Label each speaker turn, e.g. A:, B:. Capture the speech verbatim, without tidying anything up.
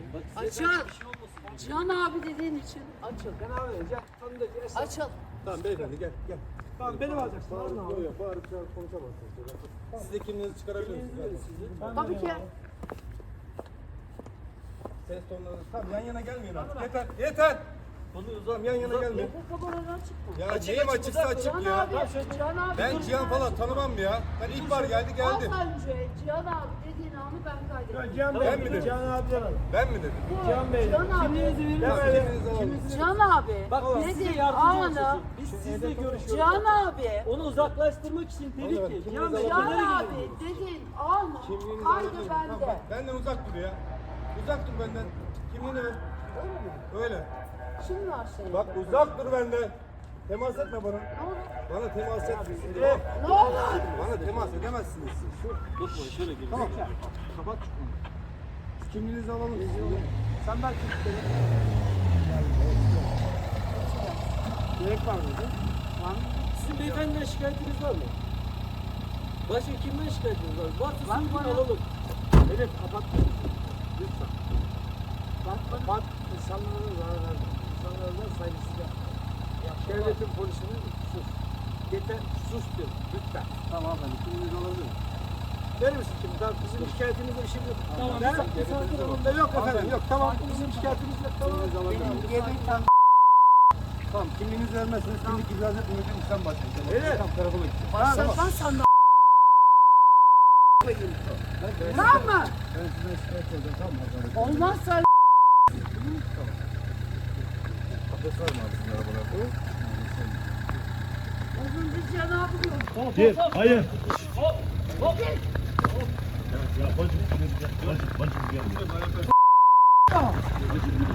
A: Açıl. Cihan abi dediğin için açıl.
B: Ben abi gel. Tanıdık. Esnaf.
A: Açıl.
C: Tamam beyefendi gel gel.
B: Tamam beni mi alacaksın?
C: Bağırıp
B: Alın
C: yok
B: abi.
C: yok bağırıp çağırıp konuşamazsınız. Siz de kimliğinizi çıkarabilir misiniz?
A: Tabii ki.
C: Ses tonlarınız. Tamam yan yana gelmeyin artık. Yeter yeter. Tamam yan yana gelmeyin.
A: Bu kameranı açık mı?
C: Ya neyim açıksa açık
A: Cihan
C: ya.
A: abi. Cihan abi.
C: Ben
A: dur.
C: Cihan falan tanımam ya. Ben ilk var geldi geldi.
A: Az önce Cihan abi dediğin anı ben kaydettim.
B: Cihan
C: Ben
B: Bey.
C: mi dedim?
B: Cihan abi demedim.
C: Ben mi dedim?
A: Bu
B: Cihan Bey.
A: Cihan abi.
B: Kimliğinizi verir
C: Tamam
B: misiniz?
C: kimliğinizi alalım.
A: Cihan abi.
D: Bak biz size
A: dediğin
D: yardımcı
A: anı.
D: olacağız. Biz sizle görüşüyoruz.
A: Cihan abi.
D: Onu uzaklaştırmak için dedik
C: Oğlum,
D: ki.
C: kimliğinizi
D: Cihan Bey,
A: Cihan
D: kenara
A: abi
D: gidelim.
A: dediğin anı.
C: Kimliğinizi
A: Kaydı
C: alabilir miyim? Tamam,
A: bende.
C: bak, benden uzak dur ya. Uzak dur benden. Kimliğini ver. Öyle.
A: Şimdi var senin.
C: Bak uzak dur benden. Temas etme bana.
A: Ne olur?
C: Bana temas etmeyin.
A: Ne olur?
C: Bana temas edemezsiniz siz.
D: Tutma şöyle girin.
C: Tamam. Kapat şu konuyu. Siz kimliğinizi alalım.
B: Sen belki gerek var mıydı?
D: Sizin beyefendiden şikayetiniz var mı? Başka kimden şikayetiniz var? Varsa
A: Bak
D: söyleyin
A: bana.
D: alalım.
B: Evet kapat. Lütfen. Bak kapat. İnsanlara zarar verme. İnsanlara da saygısızca. Devletin polisini sus. Yeter sus diyor. Lütfen.
C: Tamam efendim. Kimliğinizi alabilir miyim?
B: Verir misin şimdi? Tamam, bizim şikayetimizle bir şey yok.
D: Tamam,
B: Ben,
D: bir sakin- sakin olun.
B: Bunda yok efendim. Yok tamam. Bizim şikayetimiz yok. Tamam.
C: Kimliğinizi alabilir miyim?
A: Yemin
C: Tamam kimliğinizi vermezseniz kimlik ibraz etmeyeceğim işlem başlayacak.
B: Evet.
C: Tamam karakola gideceğim.
A: başlatmaz sandım. Tamam mı?
C: Ben sizden şikayet edeceğim tamam mı?
A: Olmazsa
C: Adres var mı abi sizin arabalarda?
A: az önce Cihan abi gördüm.
E: Gir. Hayır. Ya bacım, bacım, bacım gel.